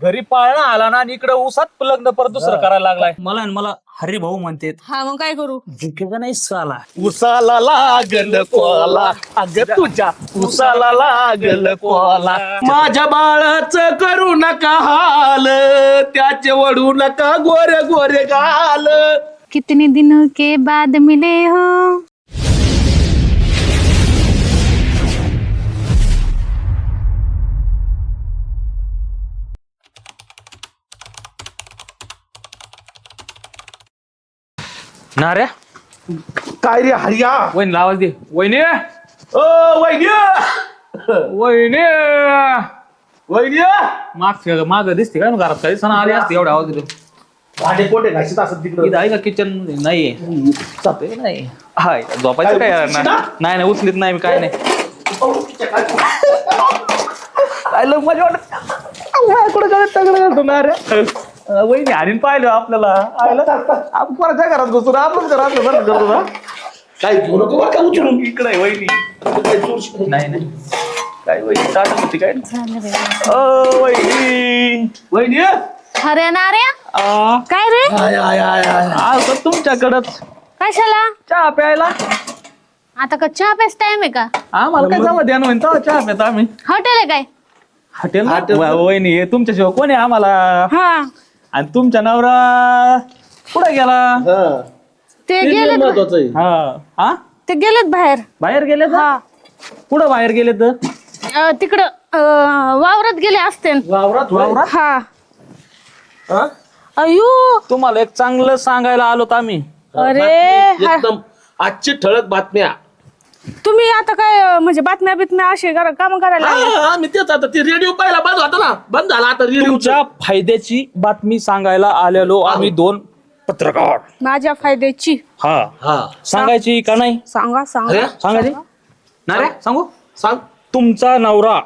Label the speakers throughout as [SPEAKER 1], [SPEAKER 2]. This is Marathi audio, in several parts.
[SPEAKER 1] घरी पाळणा आला ना आणि इकडे उसात लग्न परत दुसरं करायला लागलाय.
[SPEAKER 2] मला हरी भाऊ म्हणते
[SPEAKER 3] हा मग काय करू?
[SPEAKER 2] झुकेगा नाही साला.
[SPEAKER 1] उसाला लागल कोला, अग तुझ्या उसाला लागल कोला. माझ्या बाळाचं करू नका हाल, त्याचे वडू नका गोरे गोरे गाल.
[SPEAKER 3] कितने दिनों के बाद मिले हो.
[SPEAKER 1] नाऱ्या
[SPEAKER 4] काय रे हरिया?
[SPEAKER 1] वहिनी आवाज दे. वहिनी
[SPEAKER 4] ओ वैद्य
[SPEAKER 1] वहिनी
[SPEAKER 4] वैद्य
[SPEAKER 1] माग दिसते काय घरात काही सण आले असते एवढा आवाज देतो.
[SPEAKER 4] भांडे कोठे घासत असत तिकडे?
[SPEAKER 1] इथं आहे का किचन मध्ये? नाहीये. जातोय नाही. हाय झोपायचं काय यार? नाही नाही उचलीत नाही मी काय नाही. आयलं मजा वाटत कुठं काय तगडं घालतो ना रे. वहिनी हाणीन पाहिलं आपल्याला. आपण कोणाच्या घरात घुसून आपणच घरात बरं करतो ना.
[SPEAKER 4] काय घेऊ नको बरं का उचलून.
[SPEAKER 1] इकडे आहे वहिनी.
[SPEAKER 4] काय जोरशी-
[SPEAKER 1] नाही नाही काय वहिनी ताटत होती काय. वहिनी
[SPEAKER 4] वैद्य
[SPEAKER 3] अरे नाऱ्या
[SPEAKER 1] आ,
[SPEAKER 3] काय रे?
[SPEAKER 4] आय आय आय आय
[SPEAKER 1] आलो तुमच्याकडच
[SPEAKER 3] कशाला?
[SPEAKER 1] चहा प्यायला.
[SPEAKER 3] आता का चहा प्यास टाइम आहे का?
[SPEAKER 1] आम्हाला काय जमा द्या ना तेव्हा चहा प्यात आम्ही.
[SPEAKER 3] हॉटेल आहे काय?
[SPEAKER 1] हॉटेल वहिनी हे तुमच्याशिवाय कोण आहे आम्हाला?
[SPEAKER 3] हा
[SPEAKER 1] आणि तुमच्या नवरा कुठे गेला?
[SPEAKER 4] हा.
[SPEAKER 3] ते
[SPEAKER 4] ते
[SPEAKER 3] गेलेत
[SPEAKER 4] महत्वाचं आहे.
[SPEAKER 1] हा हा
[SPEAKER 3] ते गेलेत बाहेर.
[SPEAKER 1] बाहेर गेले
[SPEAKER 3] हा
[SPEAKER 1] कुठं बाहेर गेले तर?
[SPEAKER 3] तिकडं वावरात गेले असते.
[SPEAKER 4] वावरात
[SPEAKER 1] वावरात?
[SPEAKER 3] हा
[SPEAKER 4] हा?
[SPEAKER 3] अयो
[SPEAKER 1] तुम्हाला एक चांगलं सांगायला आलोत आम्ही.
[SPEAKER 3] अरे हा.
[SPEAKER 4] एकदम आजची ठळक बातम्या.
[SPEAKER 3] तुम्ही आता काय म्हणजे बातम्या बितम्या असे काम करायला लागले?
[SPEAKER 4] हा, मी तेच आता ती रेडिओ पहिला बंद होता ना, बंद झाला आता रेडिओ.
[SPEAKER 1] तुमच्या फायद्याची बातमी सांगायला आलेलो आम्ही दोन पत्रकार.
[SPEAKER 3] माझ्या फायद्याची
[SPEAKER 1] हा
[SPEAKER 4] हा
[SPEAKER 1] सांगायची का नाही?
[SPEAKER 3] सांगा सांगा.
[SPEAKER 4] अरे
[SPEAKER 1] सांगायची ना रे? सांगू.
[SPEAKER 4] सांग.
[SPEAKER 1] तुमचा नवरा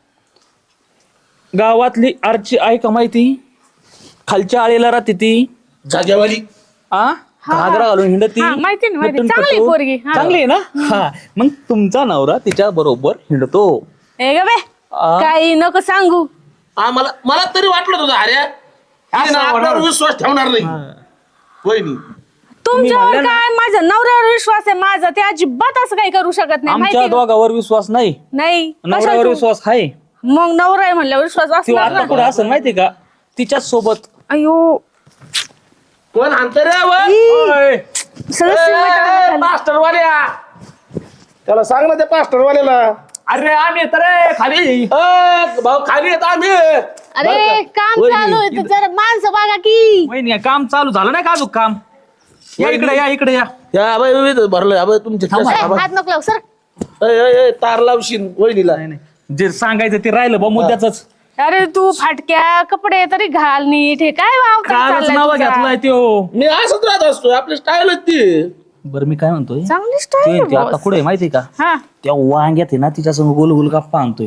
[SPEAKER 1] गावातली आरची आहे का माहिती? खालच्या आळीला राहते ती.
[SPEAKER 4] जागेवाली.
[SPEAKER 1] आ घागरा घालून हिंडती.
[SPEAKER 3] हा, माहिती ना, माहिती.
[SPEAKER 1] नटून
[SPEAKER 3] चांगली
[SPEAKER 1] कटून.
[SPEAKER 3] पोरगी, हा.
[SPEAKER 1] चांगली आहे ना. हा मग तुमचा नवरा तिच्या बरोबर हिंडतो.
[SPEAKER 3] ए ग बे काही नको सांगू.
[SPEAKER 4] हा, मला तरी वाटलं तुझं अरे आपल्यावर विश्वास ठेवणार नाही. वहिनी
[SPEAKER 3] तुमच्यावर काय माझ्या नवऱ्यावर विश्वास आहे माझा. ते अजिबात असं काही करू शकत नाही
[SPEAKER 1] आमच्या
[SPEAKER 3] माहिती का?
[SPEAKER 1] दोघावर विश्वास नाही,
[SPEAKER 3] नाही
[SPEAKER 1] नवऱ्यावर
[SPEAKER 3] कशाला तू?
[SPEAKER 1] विश्वास आहे.
[SPEAKER 3] मग नवरा आहे म्हणल्यावर विश्वास
[SPEAKER 1] ती
[SPEAKER 3] असणार
[SPEAKER 1] आता
[SPEAKER 3] ना.
[SPEAKER 1] कुठं असं माहिती का? तिच्याच सोबत.
[SPEAKER 3] अयो
[SPEAKER 4] कोण आणतं रे
[SPEAKER 3] सगळं सिमेंट झालं.
[SPEAKER 4] मास्टरवाल्या? त्याला सांग ना त्या मास्टरवाल्याला.
[SPEAKER 1] अरे आम्ही तर खाली
[SPEAKER 4] भाऊ खाली येत आम्ही.
[SPEAKER 3] अरे काम चालू आहे तर जरा माणसं बघा की.
[SPEAKER 1] वहिनी काम चालू झालं नाही का अजून काम? या इकडे या इकडे या.
[SPEAKER 4] या बाई भरलं या बाई तुमचे
[SPEAKER 3] ए, हात नको लावू सर.
[SPEAKER 4] तार लावशील वहिनीला.
[SPEAKER 1] नाही नाही जे सांगायचं ते राहिलं बा मुद्द्याच.
[SPEAKER 3] अरे तू फाटक्या कपडे तरी घाल नीट. हे काय
[SPEAKER 1] कालच
[SPEAKER 3] चाललंय
[SPEAKER 1] नाव
[SPEAKER 3] तुझा?
[SPEAKER 1] घेतलाय त्यो.
[SPEAKER 4] मी असंच राहत असतो, आपली स्टाईलच ती.
[SPEAKER 1] बरं मी काय म्हणतोय
[SPEAKER 3] चांगली
[SPEAKER 1] ते
[SPEAKER 3] स्टाईल
[SPEAKER 1] ते आता कुठे माहिती का?
[SPEAKER 3] हा.
[SPEAKER 1] त्या वांग्यात आहे ना तिच्या संग गोल गोल गप्पा आणतोय.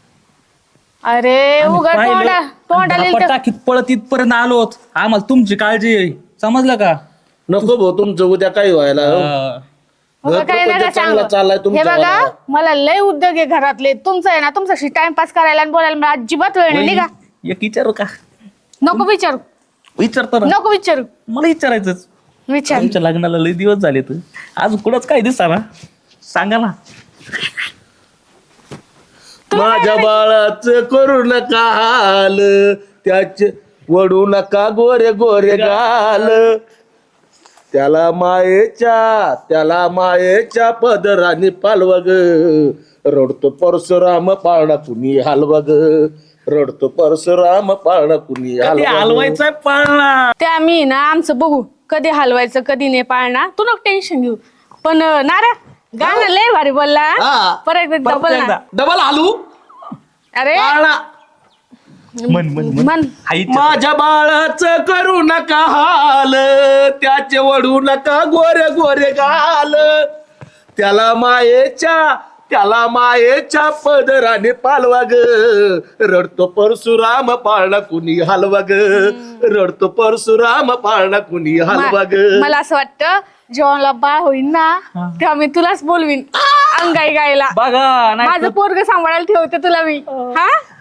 [SPEAKER 3] अरे उघड तोंडाला
[SPEAKER 1] टाकीत पळत इथपर्यंत आलोत. आम्हाला तुमची काळजी आहे, समजलं का?
[SPEAKER 4] नको भाऊ तुमचं उद्या काही व्हायला. घर
[SPEAKER 3] काही
[SPEAKER 4] प्रपंच
[SPEAKER 3] नका
[SPEAKER 4] चांगला
[SPEAKER 3] सांगू.
[SPEAKER 4] चाललाय
[SPEAKER 3] हे
[SPEAKER 4] तुमचा
[SPEAKER 3] बघा
[SPEAKER 4] वाला.
[SPEAKER 3] मला लय उद्योग आहे घरातले. तुमचं आहे ना तुमच्याशी टाइमपास करायला आणि बोलायला मला अजिबात वेळ नाही निघा.
[SPEAKER 1] एक विचारू का?
[SPEAKER 3] नको विचारू
[SPEAKER 1] विचारतो ना.
[SPEAKER 3] नको विचारू.
[SPEAKER 1] मला विचारायचंच.
[SPEAKER 3] विचार.
[SPEAKER 1] तुमच्या लग्नाला लय दिवस झाले तर आज कुठंच काय दिसा ना, सांगा ना.
[SPEAKER 4] माझ्या बाळाचं करू नका हाल, त्याचे वडू नका गोरे गोरे गाल. त्याला मायेच्या पदराने पालव ग. रडतो परशुराम पाळणा कुणी हलवा ग. रडतो परशुराम पाळणा कुणी
[SPEAKER 1] ते
[SPEAKER 4] हलवा ग.
[SPEAKER 1] हलवायचंय पाळणा.
[SPEAKER 3] ते आम्ही ना आमचं बघू कधी हलवायचं कधी नाही पाळणा. तू नको टेन्शन घेऊ. पण नारा गाणं लय भारी बोलला.
[SPEAKER 4] हा.
[SPEAKER 3] परत एकदा बोल ना.
[SPEAKER 4] डबल हलू
[SPEAKER 3] अरे
[SPEAKER 4] पाळणा.
[SPEAKER 1] मन मन मन.
[SPEAKER 3] मन
[SPEAKER 1] हाईच्या.
[SPEAKER 4] माझ्या बाळाचं करू नका हाल, त्याचे वडू नका गोरे गोरे गाल. त्याला मायेच्या पदराने पालवा ग. रडतो परशुराम पाळणा कुणी हलवा ग. रडतो परशुराम पाळणा कुणी हलवा ग.
[SPEAKER 3] मला असं वाटतं जेव्हा मला बाळ होईल ना तेव्हा मी तुलाच बोलवीन अंगाई गायला.
[SPEAKER 1] बघा नाही
[SPEAKER 3] माझं पोरग सांभाळायला ठेवते तुला मी. हा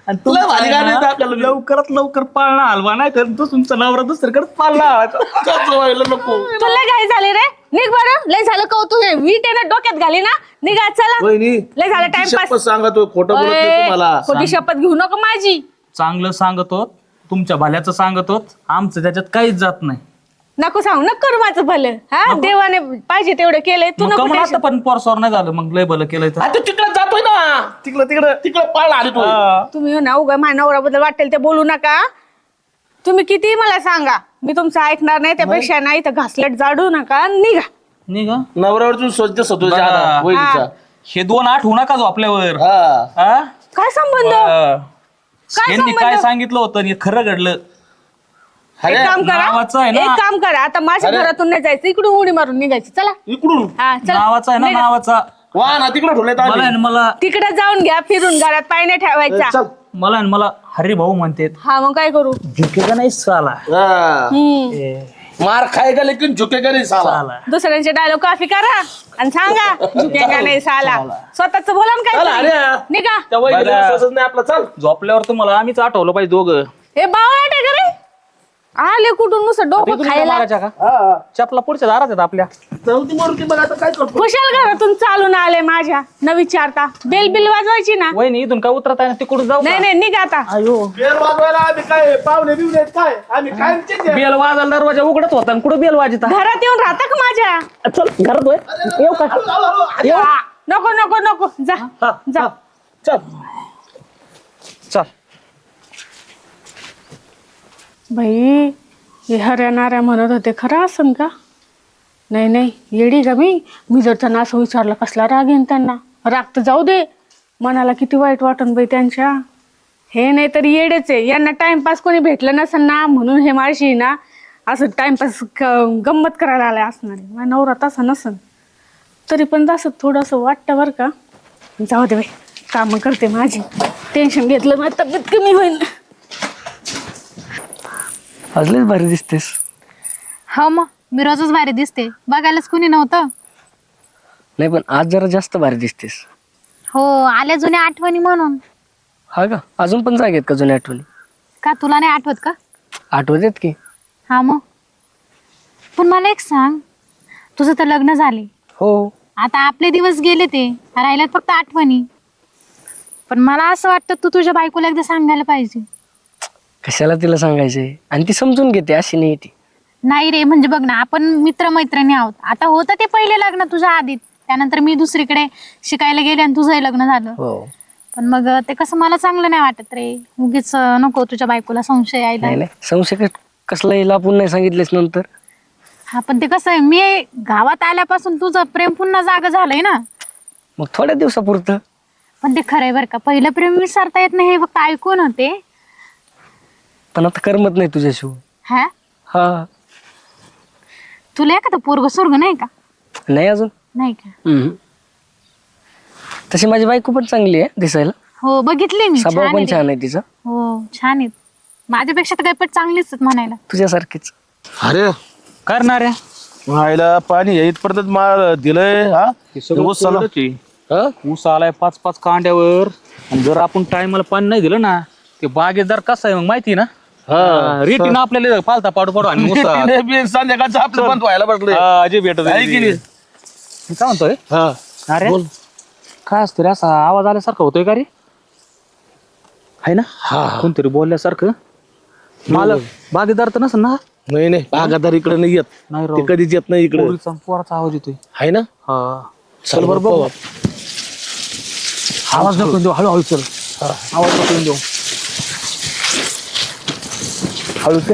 [SPEAKER 2] आणि
[SPEAKER 1] लय भारी गाणं आहे आपल्याला.
[SPEAKER 2] लवकरात लवकर पाळणा हलवा नाही तर तो तुमचा नवरा दुसरीकडे पाळणा हलवायचा.
[SPEAKER 1] कसं व्हायला नको.
[SPEAKER 3] तुला काय झाले रे? निघ बरं. लय झालं का तू वीट आहे ना डोक्यात घाली ना. निघा चला.
[SPEAKER 1] वहिनी
[SPEAKER 3] लय झालं
[SPEAKER 1] शपथ
[SPEAKER 3] टाइमपास.
[SPEAKER 1] सांगा तो खोटं बोलत नाही तुम्हाला.
[SPEAKER 3] खोटी शपथ घेऊ नको माझी.
[SPEAKER 2] चांगलं सांगतो, तुमच्या भल्याचं सांगतो, आमचं त्याच्यात काहीच जात नाही.
[SPEAKER 3] नको सांगू नको करू माझं भलं. हा देवाने पाहिजे तेवढं केलंय तू
[SPEAKER 2] मग
[SPEAKER 3] नको
[SPEAKER 2] कमळ आता
[SPEAKER 3] tension.
[SPEAKER 2] पण पोरसोर नाही झालं, मग लय भलं केलंय तर.
[SPEAKER 1] आता तिकडे जातोय ना. तिकडे पाळला आली तू.
[SPEAKER 3] तुम्ही हो ना उगा माझ्या नवऱ्याबद्दल वाटेल ते बोलू नका. तुम्ही किती मला सांगा मी तुमचं ऐकणार नाही. त्यापेक्षा नाही तर घासलेट जाडू नका निघा.
[SPEAKER 2] निघा
[SPEAKER 1] नवऱ्यावरची स्वच्छ सतोच्या
[SPEAKER 2] बरं.
[SPEAKER 1] वहिनीच्या.
[SPEAKER 2] हे 2 आठ होऊ नका झोपल्यावर.
[SPEAKER 1] हा.
[SPEAKER 2] हा?
[SPEAKER 3] काय संबंध? काय
[SPEAKER 2] यांनी
[SPEAKER 3] संबंध?
[SPEAKER 2] काय सांगितलं होतं आणि हे खरं घडलं.
[SPEAKER 3] एक काम
[SPEAKER 2] नावाचं आहे
[SPEAKER 3] करा
[SPEAKER 2] ना.
[SPEAKER 3] एक काम करा आता माझ्या
[SPEAKER 1] अरे.
[SPEAKER 3] घरातून नाही जायचं इकडून उडी मारून निघायची. चला
[SPEAKER 1] इकडून
[SPEAKER 3] हा चला
[SPEAKER 2] नावाचा आहे ना,
[SPEAKER 3] निघा.
[SPEAKER 2] नावाचा.
[SPEAKER 1] वा ना तिकडे ठेवलेत
[SPEAKER 2] मला आहे
[SPEAKER 1] आम्ही.
[SPEAKER 2] ना, मला
[SPEAKER 3] तिकडे जाऊन घ्या फिरून घरात पाय नाही ठेवायचा.
[SPEAKER 1] चल.
[SPEAKER 2] मला आहे ना, मला हरी भाऊ म्हणते.
[SPEAKER 3] हा मग काय करू?
[SPEAKER 2] झुकेगा नाही साला.
[SPEAKER 1] हा.
[SPEAKER 3] हम्म.
[SPEAKER 1] मार खाएगा लेकिन झुकेगा नहीं साला.
[SPEAKER 2] साला.
[SPEAKER 3] दुसऱ्यांचे डायलॉग कॉफी करा आणि सांगा झुकेगा नाही साला. स्वतःच बोला ना
[SPEAKER 1] चल,
[SPEAKER 3] काय
[SPEAKER 1] अरे.
[SPEAKER 3] निघा.
[SPEAKER 1] त्या वहिनीला
[SPEAKER 2] बरं.
[SPEAKER 1] विश्वासच नाही आपला. चल.
[SPEAKER 2] झोपल्यावर तुम्हाला आम्हीच आठवलं पाहिजे दोघं.
[SPEAKER 3] हे बावळाट आहे का रे? आले कुठून नुसतं डोकं
[SPEAKER 2] इथून काय
[SPEAKER 3] खायला.
[SPEAKER 2] मारायच्या का?
[SPEAKER 1] हा.
[SPEAKER 2] चपला पुढच्या दारात आहेत आपल्या.
[SPEAKER 1] चौथी मारुती बघ आता काय करतो.
[SPEAKER 3] कुशाल घरातून चालून आले माझ्या न विचारता. बेल बिल वाजवायची ना.
[SPEAKER 2] वहिनी इथून काय उतरत आहे ना, तिकडून जाऊ
[SPEAKER 3] नाही नाही निघा आता.
[SPEAKER 2] अयो
[SPEAKER 1] बेल वाजवायला आम्ही काय पाहुणे बिवणे आहेत काय आम्ही कायमचेच आहे.
[SPEAKER 2] बेल वाजायला दरवाजा उघडत होता आणि कुठं बेल वाजता.
[SPEAKER 3] घरात येऊन राहता का माझ्या?
[SPEAKER 2] चल घरात होय. येऊ का?
[SPEAKER 1] हळू, हळू, हळू.
[SPEAKER 2] येऊ.
[SPEAKER 3] नको नको नको जा जा.
[SPEAKER 1] चल.
[SPEAKER 2] चल.
[SPEAKER 3] बाई हे हऱ्याणाऱ्या म्हणत होते खरं असन का? नाही नाही येडी का मी जर त्यांना असं विचारलं कसला राग येईन त्यांना. राग तर जाऊ दे मनाला किती वाईट वाटन बाई त्यांच्या. हे नाही तर येडेच आहे. यांना टाइमपास कोणी भेटलं नसेल ना म्हणून हे माझी ना असं टाइमपास गंमत करायला आलाय असणार आहे. माझा नवरा तसा नसन तरी पण असं थोडंसं वाटतं बरं का. जाऊ दे बाई कामं करते माझी. टेन्शन घेतलं माझी तब्येत कमी होईल.
[SPEAKER 2] अजलेच भारी दिसतेस.
[SPEAKER 5] हो मग मी रोजच भारी दिसते. बघायलाच कुणी नव्हतं.
[SPEAKER 6] नाही पण आज जरा जास्त भारी दिसतेस.
[SPEAKER 5] हो आल्या जुन्या आठवणी म्हणून.
[SPEAKER 6] हा का अजून पण जागेत का जुन्या आठवणी?
[SPEAKER 5] का तुला नाही आठवत का?
[SPEAKER 6] आठवत आहेत की.
[SPEAKER 5] हा मग पण मला एक सांग, तुझं तर लग्न झाले.
[SPEAKER 6] हो
[SPEAKER 5] आता आपले दिवस गेले ते राहिल्यात फक्त आठवणी. पण मला असं वाटतं तू तुझ्या बायकोला एकदा सांगायला पाहिजे.
[SPEAKER 6] कशाला तिला सांगायचंय आणि ती समजून घेते अशी नाही ती.
[SPEAKER 5] नाही रे म्हणजे बघ ना आपण मित्रमैत्रिणी आहोत. आता होतं ते पहिले लग्न तुझ्या आधीत, त्यानंतर मी दुसरीकडे शिकायला गेले आणि तुझंही लग्न झालं.
[SPEAKER 6] हो
[SPEAKER 5] पण मग ते कसं मला चांगलं नाही वाटत रे. उगीच नको तुझ्या बायकोला संशय यायला.
[SPEAKER 6] नाही नाही संशय कसला येईल आपण नाही सांगितलेस नंतर.
[SPEAKER 5] हा पण ते कसं आहे मी गावात आल्यापासून तुझं प्रेम पुन्हा जागा झालंय ना.
[SPEAKER 6] मग थोड्या दिवसापुरतं.
[SPEAKER 5] पण ते खरंय बरं का, पहिलं प्रेम विसरता येत नाही हे फक्त ऐकून होते.
[SPEAKER 6] पण आता करमत नाही तुझ्याशिवाय.
[SPEAKER 5] हा
[SPEAKER 6] हा
[SPEAKER 5] तुला एखादं पोरग स्वर्ग नाही का?
[SPEAKER 6] नाही अजून.
[SPEAKER 5] नाही का?
[SPEAKER 6] तशी माझी बायको पण चांगली आहे दिसायला.
[SPEAKER 5] हो बघितली मी.
[SPEAKER 6] स्वभाव
[SPEAKER 5] छान
[SPEAKER 6] पण
[SPEAKER 5] आहे रे.
[SPEAKER 6] छान आहे तिचा.
[SPEAKER 5] हो छान आहेत. माझ्यापेक्षा तर काही पण चांगलीच आहेत म्हणायला.
[SPEAKER 6] तुझ्यासारखीच.
[SPEAKER 1] अरे
[SPEAKER 2] करणार आहे
[SPEAKER 1] व्हायला पाणी या इथपर्यंत मार दिलंय. हा ऊस चालू. हा?
[SPEAKER 2] ऊस आलाय 5-5 कांड्यावर. आणि जर आपण टायमाला पाणी नाही दिलं ना ते बागेदार कसं आहे मग माहिती ना.
[SPEAKER 1] हा.
[SPEAKER 2] रेटीनं आपल्याला पालता पाडू पाडू आणि ऊस
[SPEAKER 1] तिने बी संध्याकाळचं आपलं बंद व्हायला बसले.
[SPEAKER 2] अजय भेटत
[SPEAKER 1] आहे की नाही?
[SPEAKER 2] मी काय म्हणतोय
[SPEAKER 1] हा.
[SPEAKER 2] अरे काय असतं रे असा आवाज आल्यासारखा होतोय का रे? आहे ना कोणतरी बोलल्यासारखं. मला बागेदार तर नसेल ना.
[SPEAKER 1] नाही नाही बागादार इकडे नाही येत.
[SPEAKER 2] नाही
[SPEAKER 1] ते
[SPEAKER 2] राव.
[SPEAKER 1] कधीच येत नाही इकडे.
[SPEAKER 2] पोराचा आवाज येतोय.
[SPEAKER 1] आहे ना.
[SPEAKER 2] हा
[SPEAKER 1] चल बरं बघू.
[SPEAKER 2] आवाज नको देऊ हळूहळू चल. आवाज नको देऊ हळू त्या.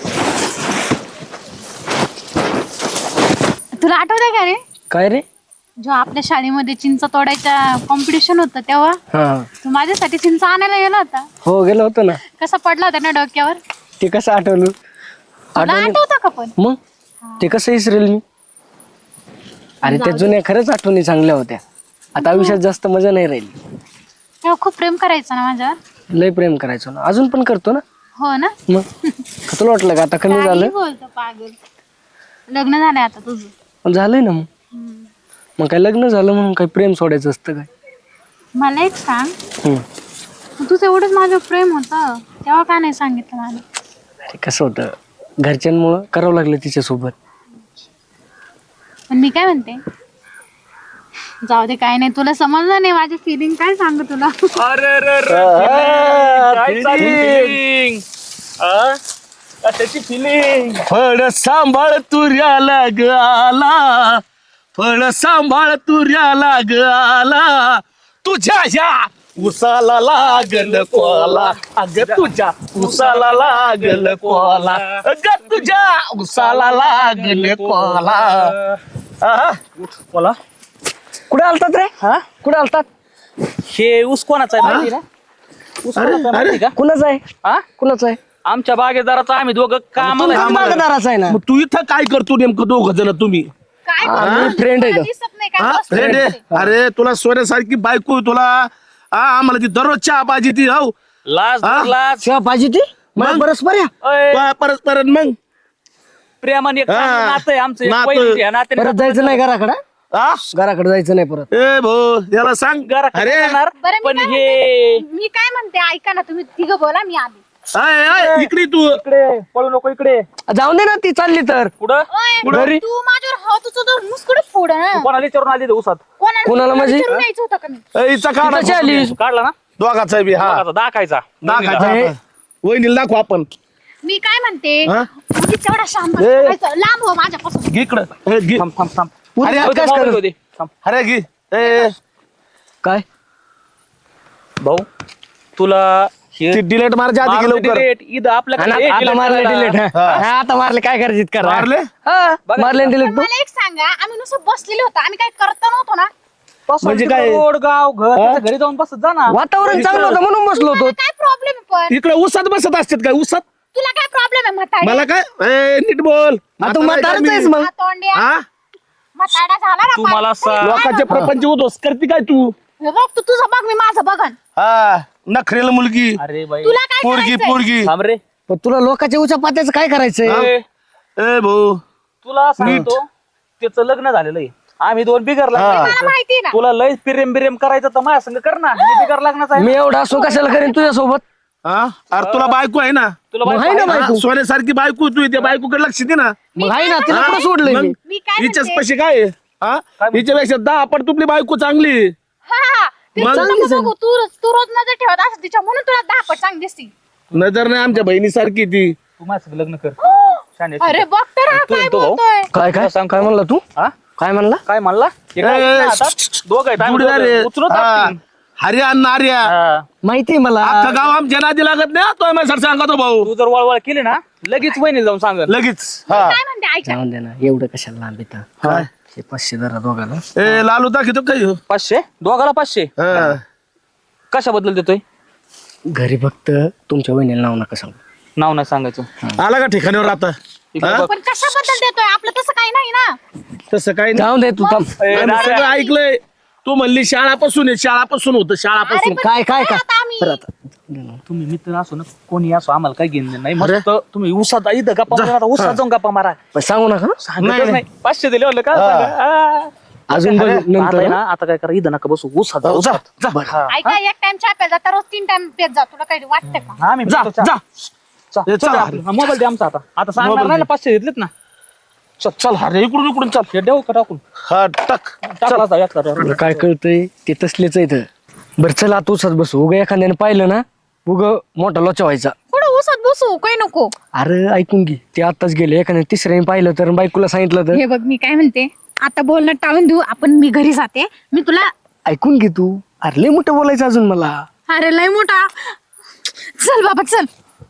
[SPEAKER 5] तुला आठवतंय का रे
[SPEAKER 6] काय रे?
[SPEAKER 5] जो आपल्या शाळेमध्ये चिंच तोडायच्या कॉम्पिटिशन होतं तेव्हा
[SPEAKER 6] हा
[SPEAKER 5] तू माझ्यासाठी चिंच आणायला गेला होता.
[SPEAKER 6] हो गेलो होतो ना.
[SPEAKER 5] कसा पडला होता ना डोक्यावर.
[SPEAKER 6] ते कसं आठवलं?
[SPEAKER 5] तुला आठवतं का पण?
[SPEAKER 6] मग ते कसं विसरेल मी. अरे त्या जुन्या खरंच आठवणी चांगल्या होत्या. आता आयुष्यात जास्त मजा नाही राहिली.
[SPEAKER 5] तेव्हा खूप प्रेम करायचं ना माझ्यावर.
[SPEAKER 6] लय प्रेम करायचो ना अजून पण करतो ना.
[SPEAKER 5] हो ना.
[SPEAKER 6] मग का तुला वाटलं का आता कमी
[SPEAKER 5] काही
[SPEAKER 6] झालं?
[SPEAKER 5] बोलतो पागल. लग्न झालंय आता तुझं.
[SPEAKER 6] पण झालंय ना. मग काय लग्न झालं म्हणून काय प्रेम सोडायचं असतं काय?
[SPEAKER 5] मला एक सांग,
[SPEAKER 6] हम्म.
[SPEAKER 5] तुझं एवढंच माझं प्रेम होतं तेव्हा का नाही सांगितलं मला?
[SPEAKER 6] अरे कसं होतं, घरच्यांमुळं करावं लागलं तिच्यासोबत.
[SPEAKER 5] पण मी काय म्हणते, जाऊ दे काय नाही, तुला समजलं नाही माझी फिलिंग, काय सांगू तुला.
[SPEAKER 2] त्याची फिलिंग
[SPEAKER 1] फळ सांभाळ तुऱ्याला ग आला, फळ सांभाळ तुऱ्याला ग आला, तुझ्या ह्या उसाला लागल कोला, अग तुझ्या उसाला लागल कोला, अग तुझ्या उसाला लागल कोला. आहा.
[SPEAKER 2] बोला.
[SPEAKER 6] कुठे आलतात रे?
[SPEAKER 2] हा
[SPEAKER 6] कुठे आलतात?
[SPEAKER 2] हे ऊस कोणाचा आहे माहिती ना? ऊस कोणाचा आहे माहिती का?
[SPEAKER 6] कुणाचं आहे?
[SPEAKER 2] हा
[SPEAKER 6] कुणाचं आहे?
[SPEAKER 2] आमच्या बागेदाराचा आम्ही दोघं कामाला आहे.
[SPEAKER 6] बागदाराचा आहे ना.
[SPEAKER 1] मग तू इथं काय करतो नेमकं दोघ जण तुम्ही?
[SPEAKER 5] काय
[SPEAKER 6] आम्ही फ्रेंड आहे
[SPEAKER 5] तुला
[SPEAKER 6] का?
[SPEAKER 5] दिसत नाही काय? बस
[SPEAKER 1] फ्रेंड आहे? अरे तुला सोन्यासारखी बायको आहे तुला. आम्हाला ती दररोज चहा पाहिजे ती हो.
[SPEAKER 2] लाज
[SPEAKER 1] हा?
[SPEAKER 2] लाज
[SPEAKER 6] शिवा पाहिजे ती मग परस्पर या.
[SPEAKER 2] अय,
[SPEAKER 1] परत परत मग
[SPEAKER 2] प्रेमाने एक चांगलं
[SPEAKER 1] हा.
[SPEAKER 2] नातं आहे आमचं, एक
[SPEAKER 1] नातं.
[SPEAKER 2] वैशिष्ट्य आहे. नात्याने
[SPEAKER 6] परत जायचं नाही घराकडे.
[SPEAKER 1] आ?
[SPEAKER 6] घराकडे जायचं नाही परत.
[SPEAKER 1] ए भाऊ याला सांग.
[SPEAKER 2] घराकडे
[SPEAKER 1] अरे
[SPEAKER 2] जाणार,
[SPEAKER 5] बरं,
[SPEAKER 2] पण
[SPEAKER 5] मी काय
[SPEAKER 2] हे
[SPEAKER 5] म्हणते, मी काय म्हणते ऐका ना, तुम्ही तिघं बोला, मी आली.
[SPEAKER 1] आय, आय, इकडे तू.
[SPEAKER 2] इकडे पळू नको इकडे.
[SPEAKER 6] जाऊन दे ना, ती चालली तर.
[SPEAKER 2] पुढं
[SPEAKER 5] ओय,
[SPEAKER 6] घरी?
[SPEAKER 5] तू माझ्यावर हात उचलतो मुस्कुड फोड ना.
[SPEAKER 2] कोणाला विचारून आली ते ऊसात
[SPEAKER 6] कोणाला म्हणजे?
[SPEAKER 5] विचारून यायचं होतं का मी?
[SPEAKER 1] ए, हिचा काढा.
[SPEAKER 6] कशी आली?
[SPEAKER 2] काढला ना
[SPEAKER 1] दोघाचा बी हा
[SPEAKER 2] दाखायचा
[SPEAKER 1] दाखायचा
[SPEAKER 6] हे.
[SPEAKER 1] आपण. वहिनीला दाखवू आपण.
[SPEAKER 5] मी काय म्हणते,
[SPEAKER 1] हा?
[SPEAKER 5] म्हणजे तेवढा शांत
[SPEAKER 1] ए.
[SPEAKER 5] बसायचं, लांब हो माझ्यापासून.
[SPEAKER 1] घे इकडं. ए, घे.
[SPEAKER 2] थांब थांब थांब.
[SPEAKER 1] अरे
[SPEAKER 2] होते,
[SPEAKER 1] काय
[SPEAKER 2] मोबाईल
[SPEAKER 1] कर?
[SPEAKER 2] होते. थांब.
[SPEAKER 1] अरे घे. ए,
[SPEAKER 6] काय?
[SPEAKER 2] भाऊ तुला हे
[SPEAKER 1] ती डिलेट मारच्या आधी घे
[SPEAKER 2] मारून
[SPEAKER 1] लवकर.
[SPEAKER 2] delete, इथं आपल्याकडे
[SPEAKER 6] आणि
[SPEAKER 2] हे
[SPEAKER 6] आता
[SPEAKER 2] delete
[SPEAKER 6] मारले
[SPEAKER 2] करायला.
[SPEAKER 6] डिलीट.
[SPEAKER 1] हा.
[SPEAKER 6] आता मारले, काय करायचं करा.
[SPEAKER 1] मारले?
[SPEAKER 6] हा, मारले डिलीट तू.
[SPEAKER 5] मला एक सांगा, आम्ही नुसतं बसलेलो होतो, आम्ही काय करत नव्हतो ना?
[SPEAKER 2] बस
[SPEAKER 1] म्हणजे
[SPEAKER 2] तिकडं
[SPEAKER 1] काय?
[SPEAKER 2] रोड गाव घर त्याच्या घरी जाऊन बसत जा ना.
[SPEAKER 6] वातावरण चांगलं होतं म्हणून बसलो होतो.
[SPEAKER 5] काय प्रॉब्लेम पण?
[SPEAKER 1] इकडे उसात बसत असतात काय उसात?
[SPEAKER 5] तुला काय प्रॉब्लेम आहे म्हातारी?
[SPEAKER 1] मला काय ए, नीट बोल.
[SPEAKER 6] तू म्हातारच आहेस मग.
[SPEAKER 5] तोंड्या
[SPEAKER 1] हा?
[SPEAKER 5] म्हातारा झाला ना
[SPEAKER 2] तू मला सांग.
[SPEAKER 1] लोकांचे प्रपंच उद्ध्वस्त करते काय तू?
[SPEAKER 5] हे बघ, तू तुझं बघ, मी माझं बघन.
[SPEAKER 1] हा नखरेल मुलगी,
[SPEAKER 2] अरे बाई
[SPEAKER 5] तुला काय
[SPEAKER 1] पोरगी
[SPEAKER 5] करायचंय?
[SPEAKER 1] पोरगी.
[SPEAKER 2] थांब रे.
[SPEAKER 6] पण तुला लोकांच्या उच्या पात्याचं काय करायचंय?
[SPEAKER 2] ए,
[SPEAKER 1] ए भाऊ
[SPEAKER 2] तुला सांगतो त्याचं लग्न झालेलं आहे, आम्ही दोन बिगर
[SPEAKER 1] हा.
[SPEAKER 5] मला माहिती ना.
[SPEAKER 2] तुला लय प्रेम बिरेम करायचं तर माझ्या संग कर ना, मी बिगर लग्नाचा आहे.
[SPEAKER 6] मी एवढा असो कशाला करीन तुझ्यासोबत?
[SPEAKER 1] हा? अरे तुला बायको आहे ना?
[SPEAKER 2] तुला
[SPEAKER 6] मग
[SPEAKER 2] बायको
[SPEAKER 6] आहे ना
[SPEAKER 2] आहे ना?
[SPEAKER 6] बायको.
[SPEAKER 1] सोन्यासारखी बायको तू त्या बायकोकडे लक्ष दे ना.
[SPEAKER 6] मग आहे ना, तिला कुठं सोडलंय
[SPEAKER 1] मग
[SPEAKER 6] मी?
[SPEAKER 5] मी काय
[SPEAKER 1] हिच्याच
[SPEAKER 5] म्हणते?
[SPEAKER 1] पैसे काय आहे? हा? हिच्यापेक्षा 10 आपण तुपली बायको चांगली.
[SPEAKER 5] हा, हा. ते
[SPEAKER 1] मग?
[SPEAKER 5] तुला नको बघू, तू रोज नजर ठेवत असं तिच्या, म्हणून तुला 10 पट चांगली दिसती.
[SPEAKER 1] नजर नाही आमच्या बहिणीसारखी ती.
[SPEAKER 2] तू माझ्या संग लग्न कर. शाने.
[SPEAKER 5] अरे बघ तर हा
[SPEAKER 2] तू
[SPEAKER 5] काय
[SPEAKER 2] येतो भाऊ.
[SPEAKER 5] बोलतोय.
[SPEAKER 6] काय काय
[SPEAKER 2] सांग.
[SPEAKER 6] काय म्हणला तू?
[SPEAKER 2] हा?
[SPEAKER 6] काय म्हणला?
[SPEAKER 2] काय म्हणला? हे काय
[SPEAKER 1] ए,
[SPEAKER 2] ना आता? दोघं आहेत, आम्ही
[SPEAKER 1] जुडीदार
[SPEAKER 2] दोघं.
[SPEAKER 1] आहे.
[SPEAKER 2] उचलून
[SPEAKER 1] हा.
[SPEAKER 2] टाकतील.
[SPEAKER 1] हरिया नार्या
[SPEAKER 2] हा.
[SPEAKER 6] माहितीये मला.
[SPEAKER 1] अख्खं गाव आमच्या नादी लागत नाही. तो माझ्या सांगतो भाऊ
[SPEAKER 2] तू जर वळवळ केली ना लगेच वहिनी जाऊन सांग.
[SPEAKER 1] लगेच. हा
[SPEAKER 5] काय म्हणते ऐका.
[SPEAKER 6] जाऊन दे ना, एवढं कशाला लांब येतं?
[SPEAKER 1] काय?
[SPEAKER 6] हे 500 जरा दोघाला.
[SPEAKER 1] ए लालू दाखवतो काय
[SPEAKER 2] 500 दोघाला 500
[SPEAKER 1] हा.
[SPEAKER 2] कशाबद्दल देतोय?
[SPEAKER 6] घरी फक्त तुमच्या वहिनीला नाव नका सांगू.
[SPEAKER 2] नाव नाही सांगायचं.
[SPEAKER 1] आला का ठिकाणीवर आता?
[SPEAKER 2] इकडे
[SPEAKER 1] हा?
[SPEAKER 2] बघ.
[SPEAKER 5] पण कशाबद्दल देतोय? आपलं तसं काही नाही ना.
[SPEAKER 1] तसं काही नाही.
[SPEAKER 6] जाऊन दे तू थांब.
[SPEAKER 2] ए,
[SPEAKER 1] आम्ही
[SPEAKER 2] नाऱ्या.
[SPEAKER 1] सगळं ऐकलंय. तू म्हणली शाळापासून आहे, शाळापासून होतं
[SPEAKER 5] अरे
[SPEAKER 1] शाळापासून.
[SPEAKER 5] पण
[SPEAKER 6] काय काय काय?
[SPEAKER 5] आता आम्ही
[SPEAKER 6] बरं आता.
[SPEAKER 2] तुम्ही मित्र असो ना कोणी असो आम्हाला काही घेणं नाही.
[SPEAKER 1] अरे.
[SPEAKER 2] मस्त तुम्ही उसात इथं गप्पा मारा, आता उसात जाऊन गप्पा मारा.
[SPEAKER 6] पण सांगू नका.
[SPEAKER 2] सांगतच नाही 500 दिले म्हणलं का
[SPEAKER 1] हा.
[SPEAKER 2] सांगा.
[SPEAKER 6] अजून बघ
[SPEAKER 2] आता
[SPEAKER 6] नंतर.
[SPEAKER 2] आहे ना, आता काय करा इथं नका बसू उसात जाऊ.
[SPEAKER 1] जा, जा.
[SPEAKER 2] हा.
[SPEAKER 5] ऐका, एक टाइम चहा प्यायचा तर रोज 3 टाइम पेत जा. तुला काही वाटतं का?
[SPEAKER 2] आम्ही
[SPEAKER 1] जा
[SPEAKER 2] पितो चहा.
[SPEAKER 1] जा
[SPEAKER 2] चल,
[SPEAKER 1] ए,
[SPEAKER 2] चल
[SPEAKER 1] चला.
[SPEAKER 2] आपलं. हा, मोबाईल दे आमचा आता सांगणार
[SPEAKER 1] मोबाईल
[SPEAKER 2] नाही ना
[SPEAKER 1] दे.
[SPEAKER 2] 500 घेतलेत ना.
[SPEAKER 1] चल चल अरे इकडून इकडून चल.
[SPEAKER 2] हे देऊ का टाकून?
[SPEAKER 1] हा टाक.
[SPEAKER 2] टाकला जाऊ, यात करा.
[SPEAKER 6] तुला काय कळतंय ते तसलेच आहे. बरं चला आता उसात बसू. उगा एखाद्याने पाहिलं ना, उगा मोठा लोचा व्हायचा.
[SPEAKER 5] कुठं उसात बसू? काही नको.
[SPEAKER 6] अरे ऐकून घे, ते आताच गेले. एखाद्याने तिसऱ्याने पाहिलं तर, बायकोला सांगितलं तर.
[SPEAKER 5] हे बघ, मी काय म्हणते, आता बोलणं टाळून देऊ आपण. मी घरी जाते. मी तुला,
[SPEAKER 6] ऐकून घे तू. अरे लय मोठं बोलायचं अजून मला.
[SPEAKER 5] अरे लय मोठा. चल बाबा चल.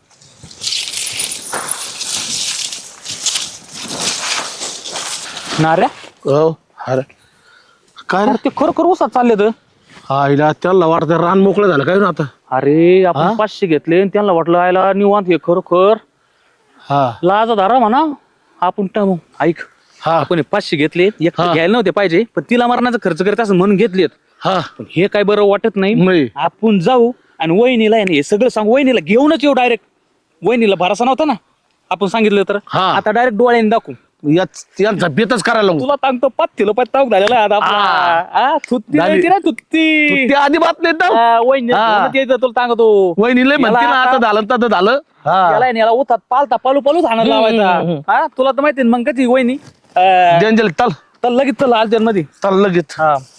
[SPEAKER 2] नाऱ्या
[SPEAKER 1] हो अरे काय रे?
[SPEAKER 2] अरे ते खरोखर उसात चालले तर.
[SPEAKER 1] आईला त्याला वाटतं रान मोकळं झालं काय ना आता.
[SPEAKER 2] अरे आपण 500 घेतले आणि त्यांना वाटलं आयला निवांत हे खरोखर
[SPEAKER 1] हा
[SPEAKER 2] लाज धारा म्हणा. आपण ऐक
[SPEAKER 1] हा
[SPEAKER 2] आपण हे 500 घेतले एक
[SPEAKER 1] हा.
[SPEAKER 2] घ्यायला नव्हते पाहिजे पण तिला मारण्याचा खर्च करत असं म्हणून घेतलेत.
[SPEAKER 1] हा
[SPEAKER 2] पण हे काय बरं वाटत नाही.
[SPEAKER 1] नाही.
[SPEAKER 2] आपण जाऊ आणि वहिनीला आहे ना हे सगळं सांगू. वहिनीला घेऊनच येऊ डायरेक्ट. वहिनीला भरोसा नव्हता ना आपण सांगितलं तर.
[SPEAKER 1] हा.
[SPEAKER 2] आता डायरेक्ट डोळ्याने दाखवू
[SPEAKER 1] यांचा बेतच करायला लागू.
[SPEAKER 2] तुला सांगतो पत्तीला पत्ता झालेला आहे आता आपला. थुत्ती
[SPEAKER 1] झाली.
[SPEAKER 2] नाही ना थुत्ती.
[SPEAKER 1] ते आधी बात नाही तर
[SPEAKER 2] वहिनी तुला सांगतो
[SPEAKER 1] वहिनी लय म्हणते ना आता झालं तर झालं.
[SPEAKER 2] याला याला उठात पालता पालू पालूच हाणत लावायचा. हा तुला तर माहिती मग कधी वहिनी
[SPEAKER 1] जंजल चल
[SPEAKER 2] तर लगेच चला आलत्या मध्ये.
[SPEAKER 1] चल लगेच.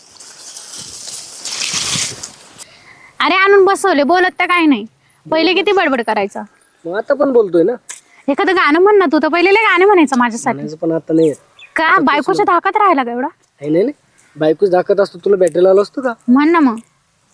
[SPEAKER 5] अरे आणून बसवले, बोलत तर काही नाही. पहिले किती बडबड करायचं.
[SPEAKER 6] मग आता पण बोलतोय ना.
[SPEAKER 5] एखादं गाणं म्हण ना तू, तर पहिले लय गाणे म्हणायचं माझ्यासाठी.
[SPEAKER 6] म्हणायचं पण आता नाही येत.
[SPEAKER 5] का बायकोच्या धाकात राहायला का एवढा?
[SPEAKER 6] नाही नाही बायकोच दाखवत असतो तुला बॅटरी आलो असतो का.
[SPEAKER 5] म्हण ना मग.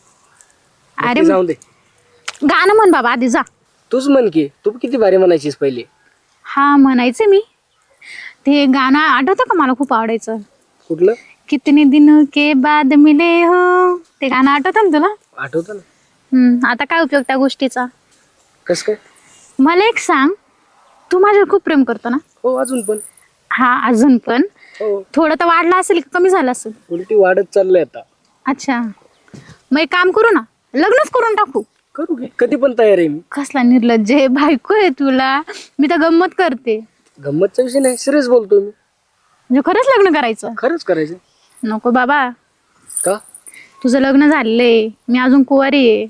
[SPEAKER 5] अरे
[SPEAKER 6] जाऊ दे
[SPEAKER 5] गाणं म्हण बाबा आधी जा.
[SPEAKER 6] तूच म्हण की तू किती भारी म्हणायचीस पहिले.
[SPEAKER 5] हा म्हणायचे मी. ते गाणं आठवतं का, मला खूप आवडायचं.
[SPEAKER 6] कुठलं
[SPEAKER 5] कितने दिनों के बाद मिले हो, ते गाणं आठवतं ना तुला?
[SPEAKER 6] आठवतं ना.
[SPEAKER 5] आता काय उपयोग त्या गोष्टीचा.
[SPEAKER 6] कस काय.
[SPEAKER 5] मला एक सांग, तू माझ्यावर खूप प्रेम करतो ना?
[SPEAKER 6] हो अजून पण.
[SPEAKER 5] हा अजून पण.
[SPEAKER 6] हो
[SPEAKER 5] थोडं तर वाढलं असेल का कमी झालं असेल?
[SPEAKER 6] उलटी वाढत चाललंय आता.
[SPEAKER 5] अच्छा, मग एक काम करू ना, लग्नच करून टाकू.
[SPEAKER 6] करू की कधी पण तयार आहे मी.
[SPEAKER 5] कसला निर्लज्ज आहे, बायको आहे तुला. मी तर गंमत करते.
[SPEAKER 6] गंमतचा विषय नाही सिरियस बोलतो मी.
[SPEAKER 5] म्हणजे खरंच लग्न करायचं?
[SPEAKER 6] खरंच करायचं.
[SPEAKER 5] नको बाबा,
[SPEAKER 6] का.
[SPEAKER 5] तुझं लग्न झालंय, मी अजून कुवारी आहे.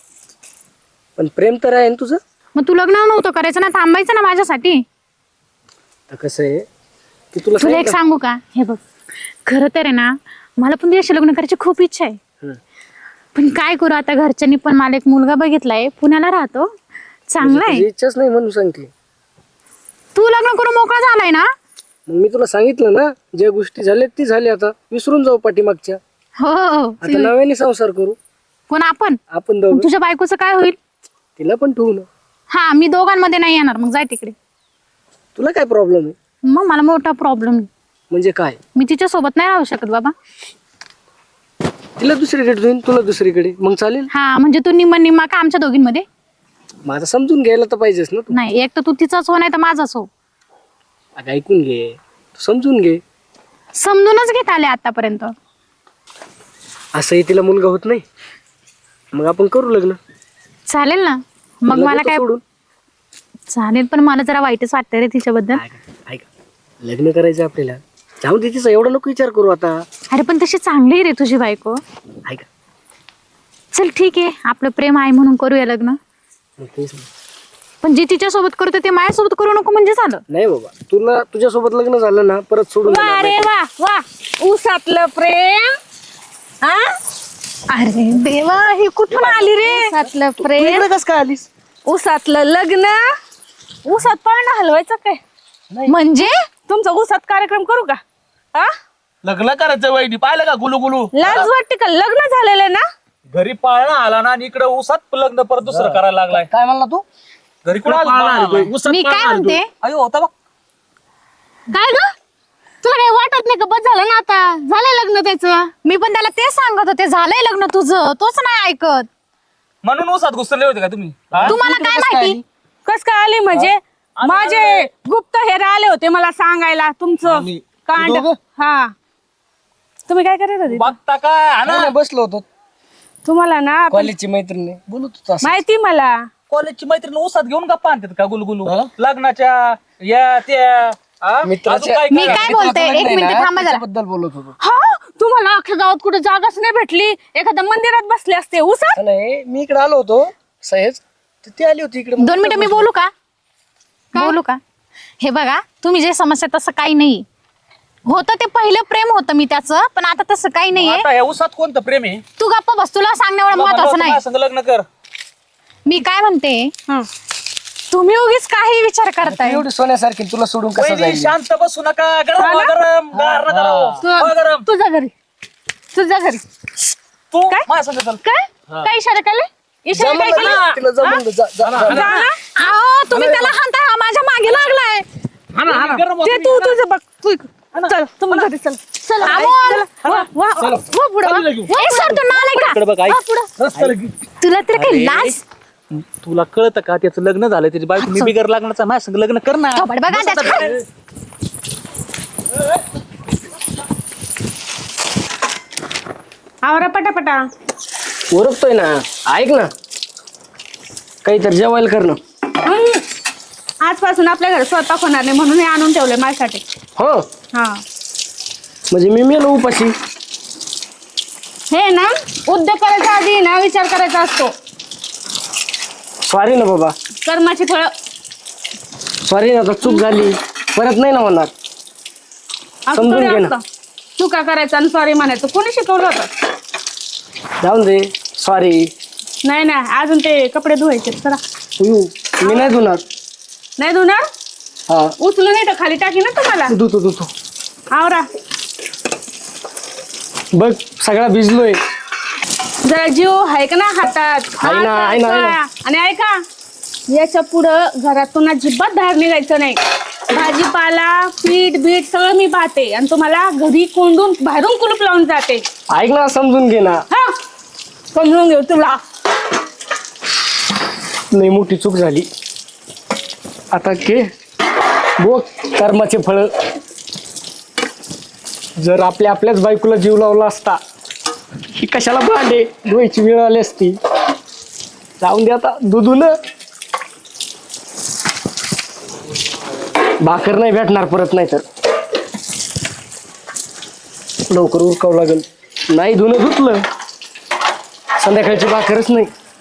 [SPEAKER 6] पण प्रेम तर आहे ना तुझं.
[SPEAKER 5] मग तू लग्न नव्हतं करायचं ना, थांबायचं ना माझ्यासाठी.
[SPEAKER 6] आता कसं आहे की तुला
[SPEAKER 5] तुला एक सांगू का, हे बघ, खरं तर आहे ना, मला पण तुझ्याशी लग्न करायची खूप इच्छा आहे. पण काय करू आता, घरच्यांनी पण मला एक मुलगा बघितलाय, पुण्याला राहतो, चांगला आहे.
[SPEAKER 6] तुझी इच्छाच नाही म्हणून सांगते.
[SPEAKER 5] तू लग्न करून मोकळा झालाय ना.
[SPEAKER 6] मग मी तुला सांगितलं ना, ज्या गोष्टी झाल्या ती झाली, आता विसरून जाऊ पाठीमागच्या.
[SPEAKER 5] हो
[SPEAKER 6] आता नव्याने संसार करू.
[SPEAKER 5] कोण आपण?
[SPEAKER 6] आपण दोघं.
[SPEAKER 5] तुझ्या बायकोचं काय होईल?
[SPEAKER 6] तिला पण ठेवू ना.
[SPEAKER 5] हा, मी दोघांमध्ये नाही येणार, मग जाय तिकडे.
[SPEAKER 6] तुला काय प्रॉब्लेम आहे.
[SPEAKER 5] मग मला मोठा प्रॉब्लेम.
[SPEAKER 6] म्हणजे काय.
[SPEAKER 5] मी तिच्या सोबत नाही राहू शकत बाबा.
[SPEAKER 6] तिला दुसरीकडे ठेवून तुला दुसरीकडे, मग चालेल.
[SPEAKER 5] हा म्हणजे तू निम्मा का आमच्या दोघींमध्ये?
[SPEAKER 6] माझं समजून घ्यायला तर पाहिजेस ना तू.
[SPEAKER 5] नाही, एक तर तू तिचाच हो, नाही तर माझाच हो.
[SPEAKER 6] अगं ऐकून घे, तू समजून घे.
[SPEAKER 5] समजूनच घेत आले आतापर्यंत.
[SPEAKER 6] असंही तिला मुलगा होत नाही, मग आपण करू लग्न.
[SPEAKER 5] चालेल ना. मग
[SPEAKER 6] तिला
[SPEAKER 5] मला
[SPEAKER 6] देतो
[SPEAKER 5] काय
[SPEAKER 6] सोडून.
[SPEAKER 5] चालेल, पण मला जरा वाईटच वाटतं रे तिच्याबद्दल.
[SPEAKER 6] ऐका लग्न करायचं आपल्याला, जाऊ दे तिचा एवढा नको विचार करू आता.
[SPEAKER 5] अरे पण तशी चांगली आहे रे तुझी बायको.
[SPEAKER 6] ऐका
[SPEAKER 5] चल ठीक आहे, आपलं प्रेम आहे म्हणून करूया लग्न.
[SPEAKER 6] मग तेच ना.
[SPEAKER 5] पण जे तिच्या सोबत करतो ते माझ्यासोबत करू नको म्हणजे झालं.
[SPEAKER 6] नाही बाबा, तुला तुझ्यासोबत लग्न झालं ना, परत सोडून देणार
[SPEAKER 3] वा रे
[SPEAKER 6] नाही.
[SPEAKER 3] वा वा, ऊसातलं प्रेम. हा,
[SPEAKER 5] अरे देवा, हे कुठून आली रे?
[SPEAKER 3] ऊसातलं
[SPEAKER 6] तू
[SPEAKER 3] प्रेम,
[SPEAKER 6] इकडे कसं काय आलीस.
[SPEAKER 3] ऊसातलं लग्न. ऊसात पाळणं हलवायचं काय?
[SPEAKER 5] म्हणजे
[SPEAKER 3] तुमचा ऊसात कार्यक्रम करू का? हा,
[SPEAKER 1] लग्न करायचं वहिनी, पाहिलं का गुलू गुलू.
[SPEAKER 3] लाज वाटते का? लग्न झालेलं ना.
[SPEAKER 2] घरी पाळणा आला ना, आणि इकडे उसात लग्न परत दुसरं करायला लागलाय.
[SPEAKER 6] काय म्हणला तू.
[SPEAKER 2] घरी कुठं आला?
[SPEAKER 5] मी काय म्हणते,
[SPEAKER 2] अयो होता बघ.
[SPEAKER 5] काय ग, तुला काही वाटत नाही का? बस झालं ना, आता झालंय लग्न त्याचं. मी पण त्याला तेच सांगत होते, झालंय लग्न तुझं, तोच नाही ऐकत.
[SPEAKER 2] म्हणून उसात घुसले होते का तुम्ही. हा?
[SPEAKER 5] तुम्हाला काय माहिती?
[SPEAKER 3] कस काय आली म्हणजे? माझे गुप्त हेर आले होते मला सांगायला तुमचं कांड. हा, तुम्ही काय करत होते?
[SPEAKER 2] बघता काय हा ना?
[SPEAKER 6] नाही, बसलो होतो.
[SPEAKER 3] तुम्हाला ना आपण-
[SPEAKER 6] कॉलेजची मैत्रिणी बोलत होतो असं.
[SPEAKER 3] माहिती मला.
[SPEAKER 2] कॉलेजची मैत्रीण उसात घेऊन गप्पा आणतात का गुलगुलू लग्नाच्या या त्या. हा?
[SPEAKER 6] मित्राच्या-
[SPEAKER 2] अजून काय
[SPEAKER 5] मी
[SPEAKER 2] काय?
[SPEAKER 5] काय बोलते, एक मिनिट थांबा जरा.
[SPEAKER 6] बद्दल बोलत होतो.
[SPEAKER 3] हा, तुम्हाला अख्ख्या गावात कुठे जागाच नाही भेटली, एखाद्या मंदिरात बसले असते ऊसात.
[SPEAKER 6] नाही मी इकडे आलो होतो सहज, तर ती आली होती इकडे.
[SPEAKER 5] 2 मिनिटं मी बोलू का? बोलू का? हे बघा, तुम्ही जे समस्या तसं काही नाही होतं, ते पहिलं प्रेम होतं मी त्याचं, पण आता तसं काही नाहीये.
[SPEAKER 2] आता या उसात कोणतं प्रेम आहे.
[SPEAKER 5] तू गप्पा बस, तुला सांगणं एवढं महत्वाचं नाही.
[SPEAKER 2] माझ्या संग लग्न कर.
[SPEAKER 5] मी काय म्हणते, तुम्ही उगीच काही विचार करताय.
[SPEAKER 6] एवढी सोन्यासारखी तुला सोडून कसं
[SPEAKER 2] वहिनी,
[SPEAKER 6] जाईल.
[SPEAKER 2] शांत बसू नका. गरम गरम गार नका राहू. गरम.
[SPEAKER 3] तुझ्या घरी, तुझ्या घरी.
[SPEAKER 2] तू माझ्या संग चल.
[SPEAKER 5] काय इशारा केले? इशारा काय
[SPEAKER 6] जमलं
[SPEAKER 5] केला?
[SPEAKER 6] ना, तिला जमलं, जा, जा, जा.
[SPEAKER 5] अहो, तुम्ही त्याला हाणता, हा माझ्या मागे लागलाय.
[SPEAKER 2] गरम
[SPEAKER 3] ते तू तुझं बघ. तू चल, तुम्ही घरी चल.
[SPEAKER 5] चल, अमोल. वा, पुढं वा. ए, सर, तू नालायक का?
[SPEAKER 2] इकडे बघ, ऐक.
[SPEAKER 5] वा, पुढं. तुला तर काही लाज?
[SPEAKER 2] तुला कळतं का त्याचं लग्न झालं, त्याची बायको मी बिगर लग्नाचा माझ्या संग लग्न कर ना.
[SPEAKER 5] थोबाड बघा त्याचं.
[SPEAKER 3] आवरा पटापटा.
[SPEAKER 6] ओरखतोय ना, ऐक ना, काहीतरी जेवायला कर ना.
[SPEAKER 3] आजपासून आपल्या घरी स्वयंपाक होणार नाही म्हणून हे आणून ठेवलंय माझ्यासाठी.
[SPEAKER 6] हो
[SPEAKER 3] हा
[SPEAKER 6] म्हणजे मी मेलो उपाशी.
[SPEAKER 3] हे ना उद्योग करायचा आधी ना विचार करायचा असतो.
[SPEAKER 6] सॉरी ना बाबा,
[SPEAKER 3] कर्माची फळं
[SPEAKER 6] सॉरी ना, आता चूक झाली, परत नाही ना होणार.
[SPEAKER 3] असं
[SPEAKER 6] समजून
[SPEAKER 3] थोडी
[SPEAKER 6] घे ना.
[SPEAKER 3] असतं. चुका करायचा आणि सॉरी म्हणायचं. कोणी शिकवलं होतं?
[SPEAKER 6] जाऊन दे, सॉरी.
[SPEAKER 3] नाही ना अजून ते कपडे धुवायचे. चला.
[SPEAKER 6] मी नाही धुणार.
[SPEAKER 3] नाही धुणार?
[SPEAKER 6] हा
[SPEAKER 3] उचलून येतं खाली टाकी ना तुम्हाला.
[SPEAKER 6] धुतो.
[SPEAKER 3] आवरा.
[SPEAKER 6] बघ सगळा भिजलोय.
[SPEAKER 3] जरा जीव आहे का ना हातात?
[SPEAKER 6] आहे ना, आहे ना, आहे ना.
[SPEAKER 3] आणि ऐका, याच्या पुढं घरातून अजिबात बाहेर निघायचं नाही. भाजीपाला पीठ बीठ सगळं मी पाहते आणि तुम्हाला घरी कोंडून बाहेरून कुलूप लावून जाते.
[SPEAKER 6] ऐक ना, समजून घे ना.
[SPEAKER 3] हा समजून घेऊ तुला.
[SPEAKER 6] नाही मोठी चूक झाली. आता घे बघ कर्माचे फळ. जर आपल्याच बायकोला जीव लावला असता, ही कशाला भांडे धुवायची वेळ आली असती. जाऊन दे आता, दुधून भाकर नाही भेटणार परत, नाही तर लवकर उरकावं लागेल. नाही धुणं धुतलं, संध्याकाळची भाकरच नाही.